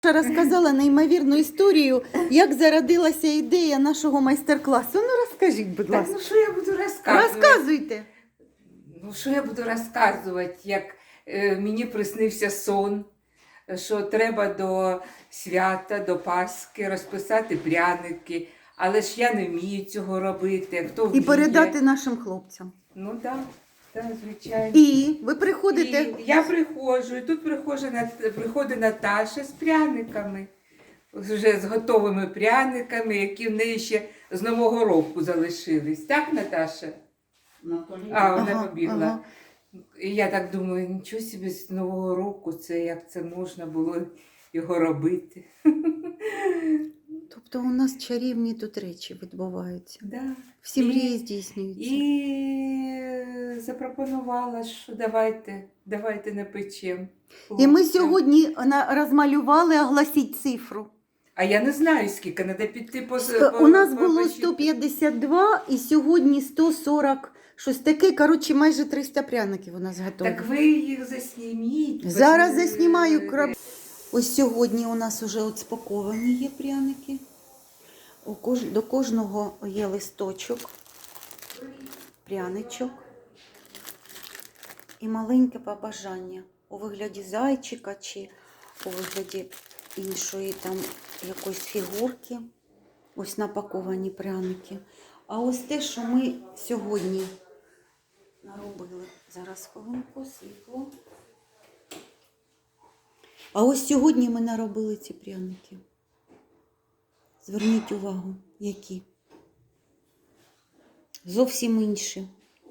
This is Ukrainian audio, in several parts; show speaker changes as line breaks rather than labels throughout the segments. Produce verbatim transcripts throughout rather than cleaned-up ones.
Розказала неймовірну історію, як зародилася ідея нашого майстер-класу. Ну розкажіть, будь
Так,
ласка.
ну що я буду розказувати?
Розказуйте.
Ну що я буду розказувати, як е, мені приснився сон, що треба до свята, до Пасхи розписати пряники, але ж я не вмію цього робити. Хто
І
вміє?
передати нашим хлопцям.
Ну так, да, да, звичайно.
І ви приходите.
І я приходжу, і тут приходить, Нат- приходить Наташа з пряниками, вже з готовими пряниками, які в неї ще з Нового року залишились. Так, Наташа? А, вона
Ага,
побігла.
ага.
І я так думаю, нічого собі з Нового року, це як це можна було його робити.
Тобто у нас чарівні тут речі відбуваються.
Да.
Всі
І-
мрії здійснюються.
І запропонувала, що давайте, давайте напечемо.
І ми сьогодні на- розмалювали, огласіть цифру.
А я не знаю, скільки, треба піти по...
Сто-
по-
У нас
по-
було
почитати.
сто п'ятдесят два і сьогодні сто сорок. Щось таке, коротше, майже триста пряників у нас готові.
Так ви їх засніміть.
Зараз
ви-
заснімаю краб. Ось сьогодні у нас вже от спаковані є пряники. У кож... До кожного є листочок, пряничок і маленьке побажання у вигляді зайчика чи у вигляді іншої там якоїсь фігурки. Ось напаковані пряники. А ось те, що ми сьогодні наробили. Зараз хвилинку, світло. А ось сьогодні ми наробили ці пряники. Зверніть увагу, які. Зовсім інші.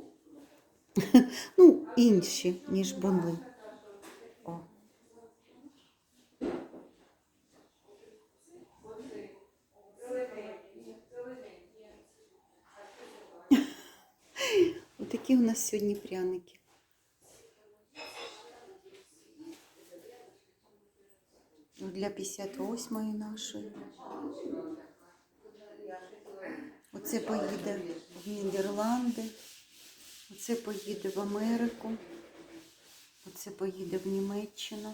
Ну, інші, ніж були. О. Отакі у нас сьогодні пряники. Для п'ятдесят восьмої нашої. Оце поїде в Нідерланди, оце поїде в Америку, оце поїде в Німеччину.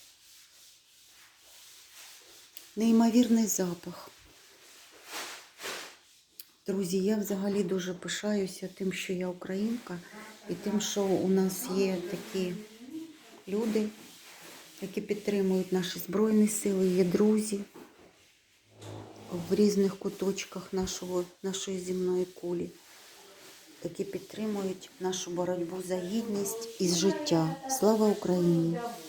Неймовірний запах. Друзі, я взагалі дуже пишаюся тим, що я українка, і тим, що у нас є такі люди, які підтримують наші Збройні Сили, є друзі в різних куточках нашого, нашої земної кулі, які підтримують нашу боротьбу за гідність і життя. Слава Україні!